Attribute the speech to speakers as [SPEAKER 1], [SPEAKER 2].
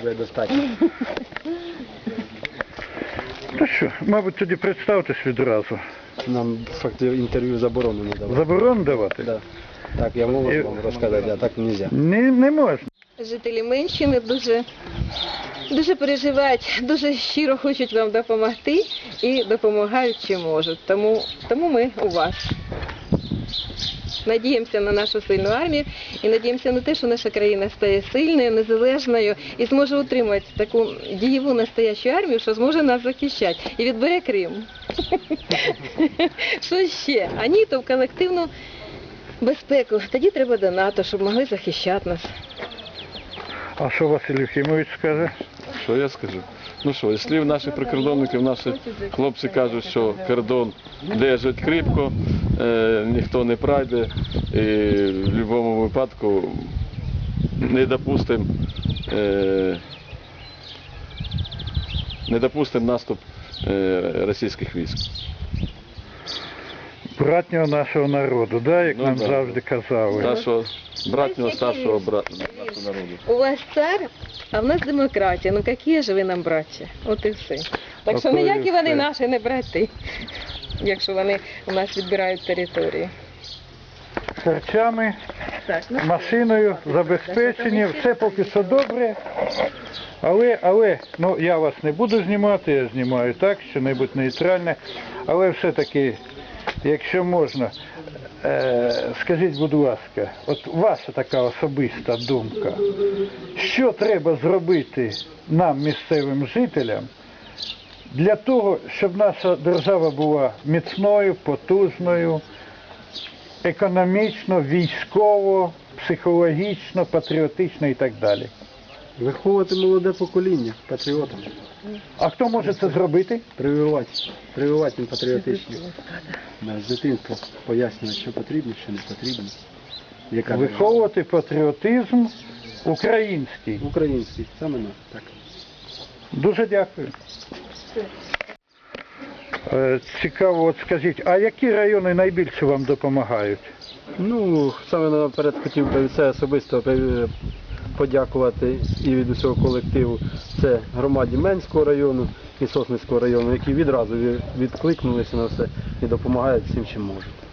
[SPEAKER 1] буде достатньо.
[SPEAKER 2] Ну що, мабуть, тоді представтесь відразу.
[SPEAKER 1] Нам фактично інтерв'ю заборонено давати.
[SPEAKER 2] Заборонено давати?
[SPEAKER 1] Да. Так, я можу вам розказати, а так не можна.
[SPEAKER 2] Не можна.
[SPEAKER 3] Жителі Менщини дуже переживають, дуже щиро хочуть вам допомогти і допомагають, чи можуть. Тому ми у вас. Надіємося на нашу сильну армію і надіємося на те, що наша країна стає сильною, незалежною і зможе утримати таку дієву настоящу армію, що зможе нас захищати і відбере Крим. Що ще? А ні, то в колективну безпеку. Тоді треба до НАТО, щоб могли захищати нас.
[SPEAKER 2] А що Василь Єфімович скаже?
[SPEAKER 4] Що я скажу? Ну що, якщо наші прикордонники, наші хлопці кажуть, що кордон держить кріпко, ніхто не пройде, і в будь-якому випадку не допустимо наступ російських військ.
[SPEAKER 2] Братнього нашого народу, да, як нам завжди казали.
[SPEAKER 4] Нашого братнього старшого нашого народу.
[SPEAKER 3] У вас цар, а в нас демократія. Ну які ж ви нам браття? От і все. Так що ніякі вони наші не брати, якщо вони у нас відбирають території.
[SPEAKER 2] Харчами, машиною, забезпечені, все поки що добре. Але, ну я вас не буду знімати, я знімаю так, що-небудь нейтральне. Але все-таки, якщо можна, скажіть, будь ласка, от ваша така особиста думка, що треба зробити нам, місцевим жителям, для того, щоб наша держава була міцною, потужною, економічно, військово, психологічно, патріотично і так далі?
[SPEAKER 1] Виховувати молоде покоління, патріотам.
[SPEAKER 2] А хто може це зробити?
[SPEAKER 1] Прививати їм патріотичність. З дитинства пояснювати, що потрібно, що не потрібно.
[SPEAKER 2] Виховувати патріотизм український.
[SPEAKER 1] Український, саме так.
[SPEAKER 2] Дуже дякую. Цікаво, от скажіть, а які райони найбільше вам допомагають?
[SPEAKER 1] Ну, саме наперед хотів би це особисто подякувати і від усього колективу. Це громаді Менського району і Сосницького району, які відразу відкликнулися на все і допомагають всім, чим можуть.